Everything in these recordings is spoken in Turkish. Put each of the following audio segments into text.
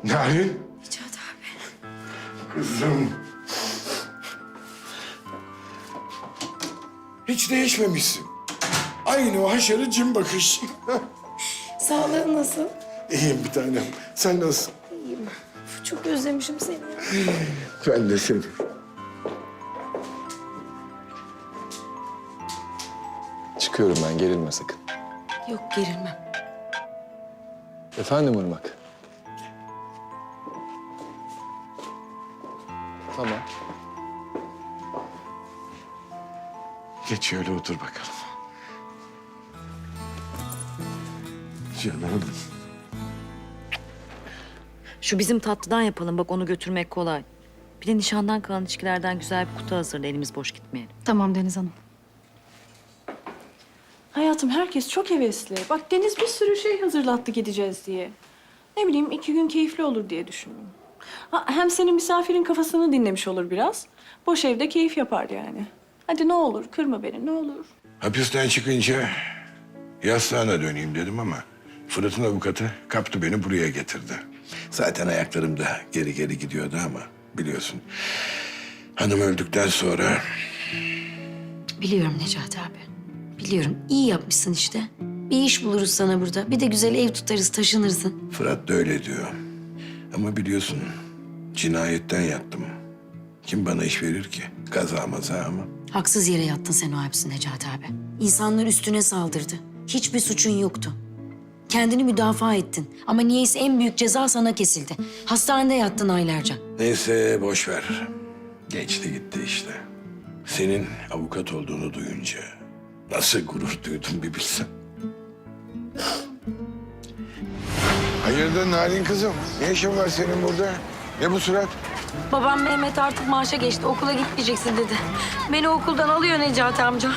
Narin. Necat abi. Kızım. Hiç değişmemişsin. Aynı o haşarı cin bakış. Sağlığın nasıl? İyiyim bir tanem. Sen nasılsın? İyiyim. Çok özlemişim seni ya. Ben de seni. Çıkıyorum ben, gerilme sakın. Yok gerilmem. Efendim Irmak? Tamam. Geç şöyle otur bakalım. Canım. Şu bizim tatlıdan yapalım. Bak onu götürmek kolay. Bir de nişandan kalan içkilerden güzel bir kutu hazırla. Elimiz boş gitmeyelim. Tamam Deniz Hanım. Hayatım herkes çok hevesli. Bak Deniz bir sürü şey hazırlattı gideceğiz diye. Ne bileyim 2 gün keyifli olur diye düşündüm. Ha, hem senin misafirin kafasını dinlemiş olur biraz. Boş evde keyif yapar yani. Hadi ne olur kırma beni ne olur. Hapisten çıkınca yastığına döneyim dedim ama Fırat'ın avukatı kaptı beni buraya getirdi. Zaten ayaklarım da geri geri gidiyordu ama biliyorsun. Hanım öldükten sonra Biliyorum Necati abi. Biliyorum. İyi yapmışsın işte. Bir iş buluruz sana burada. Bir de güzel ev tutarız, taşınırsın. Fırat da öyle diyor. Ama biliyorsun cinayetten yattım. Kim bana iş verir ki? Kaza maza mı? Haksız yere yattın sen o hapsi Necati abi. İnsanlar üstüne saldırdı. Hiçbir suçun yoktu. Kendini müdafaa ettin. Ama niyeyse en büyük ceza sana kesildi. Hastanede yattın aylarca. Neyse boş ver. Geçti gitti işte. Senin avukat olduğunu duyunca nasıl gurur duydum bir bilsen. Hayırdır Narin kızım? Ne işin var senin burada? Ne bu surat? Babam Mehmet artık maaşa geçti. Okula gitmeyeceksin dedi. Beni okuldan alıyor Necati amca.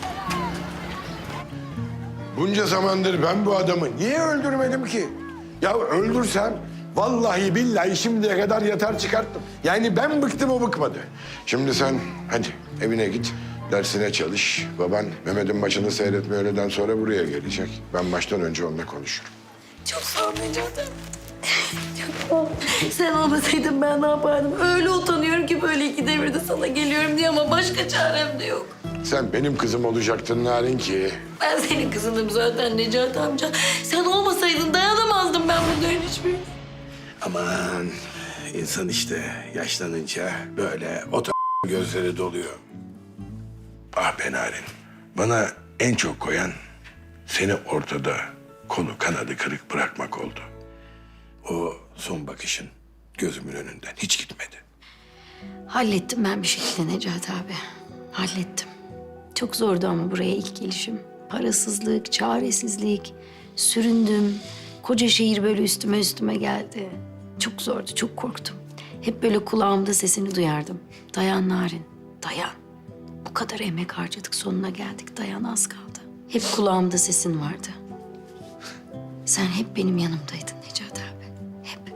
Bunca zamandır ben bu adamı niye öldürmedim ki? Ya öldürsem vallahi billahi şimdiye kadar yatar çıkarttım. Yani ben bıktım o bıkmadı. Şimdi sen hadi evine git. Dersine çalış. Baban Mehmet'in maçını seyretme öğleden sonra buraya gelecek. Ben maçtan önce onunla konuşurum. Çok sağ ol Necati amca. Çok sağ ol. Sen olmasaydın ben ne yapardım? Öyle utanıyorum ki böyle iki devirde sana geliyorum diye ama başka çarem de yok. Sen benim kızım olacaktın Narin ki. Ben senin kızınım zaten Necati amca. Sen olmasaydın dayanamazdım ben bunların hiçbirine. Aman insan işte yaşlanınca böyle o gözleri doluyor. Ah be Narin. Bana en çok koyan seni ortada kolu kanadı kırık bırakmak oldu. O son bakışın gözümün önünden hiç gitmedi. Hallettim ben bir şekilde Necati abi. Hallettim. Çok zordu ama buraya ilk gelişim. Parasızlık, çaresizlik, süründüm. Koca şehir böyle üstüme geldi. Çok zordu, çok korktum. Hep böyle kulağımda sesini duyardım. Dayan Narin, dayan. Bu kadar emek harcadık, sonuna geldik. Dayan, az kaldı. Hep kulağımda sesin vardı. Sen hep benim yanımdaydın Necati abi. Hep.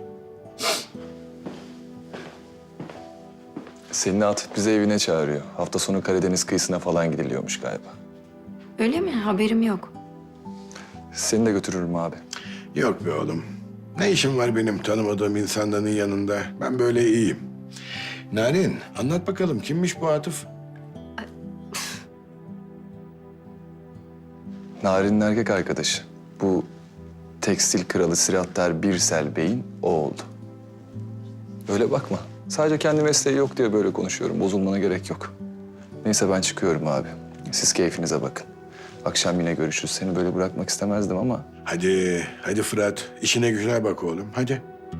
Selin'i Atıf bizi evine çağırıyor. Hafta sonu Karadeniz kıyısına falan gidiliyormuş galiba. Öyle mi? Haberim yok. Seni de götürürüm abi. Yok be oğlum. Ne işim var benim tanımadığım insanların yanında? Ben böyle iyiyim. Narin anlat bakalım kimmiş bu Atıf? Narin'in erkek arkadaşı. Bu tekstil kralı Sirattar Birsel Bey'in o oldu. Öyle bakma. Sadece kendi mesleği yok diye böyle konuşuyorum. Bozulmana gerek yok. Neyse ben çıkıyorum abi. Siz keyfinize bakın. Akşam yine görüşürüz. Seni böyle bırakmak istemezdim ama... Hadi Fırat işine gücüne bak oğlum hadi.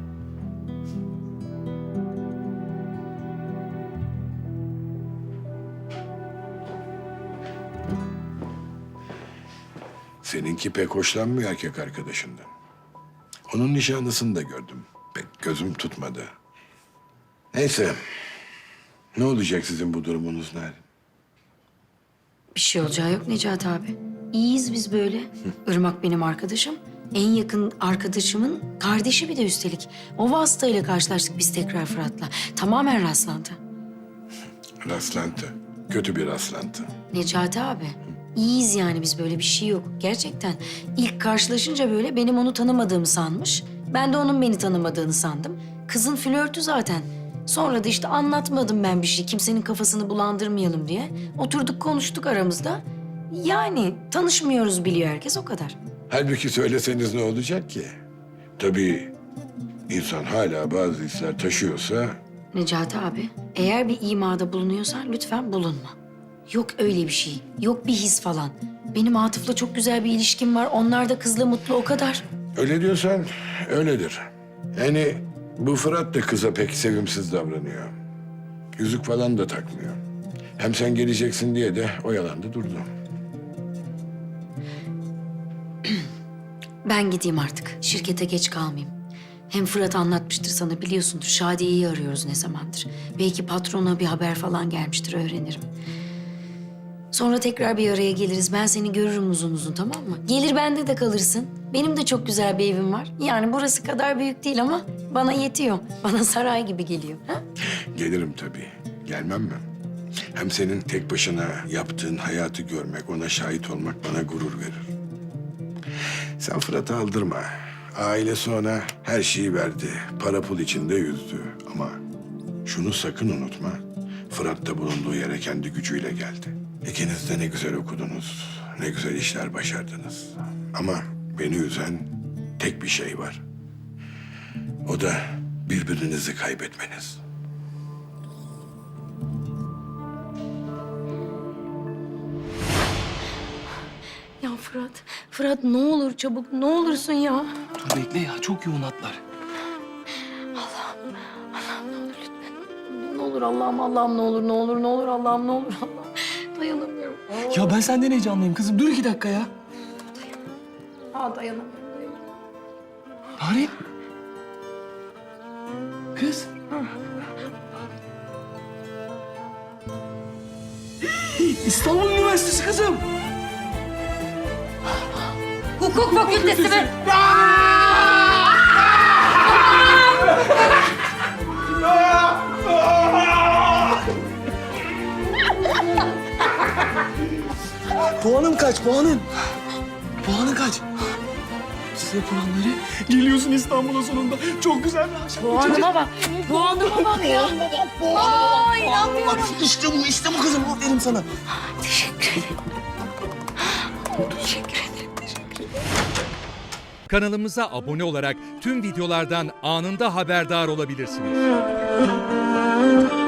Seninki pek hoşlanmıyor erkek arkadaşından. Onun nişanlısını da gördüm. Pek gözüm tutmadı. Neyse. Ne olacak sizin bu durumunuz Narin? Bir şey olacağı yok Necati abi. İyiyiz biz böyle. Irmak benim arkadaşım. En yakın arkadaşımın kardeşi bir de üstelik. O vasıtayla karşılaştık biz tekrar Fırat'la. Tamamen rastlantı. Rastlantı. Kötü bir rastlantı. Necati abi, iyiyiz yani biz böyle bir şey yok. Gerçekten ilk karşılaşınca böyle benim onu tanımadığımı sanmış. Ben de onun beni tanımadığını sandım. Kızın flörtü zaten. Sonra da işte anlatmadım ben bir şey. Kimsenin kafasını bulandırmayalım diye. Oturduk konuştuk aramızda. Yani tanışmıyoruz biliyor herkes o kadar. Halbuki söyleseniz ne olacak ki? Tabii insan hala bazı hisler taşıyorsa Necati abi, eğer bir imada bulunuyorsan lütfen bulunma. Yok öyle bir şey, yok bir his falan. Benim Atıf'la çok güzel bir ilişkim var. Onlar da kızla mutlu o kadar. öyle diyorsan öyledir. Yani bu Fırat da kıza pek sevimsiz davranıyor. Yüzük falan da takmıyor. Hem sen geleceksin diye de oyalandı durdu. Ben gideyim artık. Şirkete geç kalmayayım. Hem Fırat anlatmıştır sana biliyorsundur. Şadiye'yi arıyoruz ne zamandır. Belki patrona bir haber falan gelmiştir öğrenirim. Sonra tekrar bir araya geliriz. Ben seni görürüm uzun uzun tamam mı? Gelir bende de kalırsın. Benim de çok güzel bir evim var. Yani burası kadar büyük değil ama bana yetiyor. Bana saray gibi geliyor. Ha? Gelirim tabii. Gelmem mi? Hem senin tek başına yaptığın hayatı görmek, ona şahit olmak bana gurur verir. Sen Fırat'ı aldırma. Ailesi ona her şeyi verdi. Para pul içinde yüzdü. Ama şunu sakın unutma. Fırat da bulunduğu yere kendi gücüyle geldi. İkiniz de ne güzel okudunuz. Ne güzel işler başardınız. Ama beni üzen tek bir şey var. O da birbirinizi kaybetmeniz. Ya Fırat ne olur çabuk ne olursun ya. Dur bekle ya, çok yoğun hatlar. Ne olur Allah'ım ne olur Allah'ım ne olur Allah'ım. Dayanamıyorum. Ya ben senden heyecanlıyım kızım. Dur 2 dakika ya. Dayanamıyorum. Narin. Kız. İstanbul Üniversitesi kızım. Hukuk fakültesi mi? Puanın kaç, puanın? Puanın kaç? Size puanları geliyorsun İstanbul'a sonunda. Çok güzel bir akşam. Puanıma bak. Puanıma bak ya. Aa, inanmıyorum. İşte bu kızım. Aferin sana. Teşekkür ederim. Kanalımıza abone olarak tüm videolardan anında haberdar olabilirsiniz.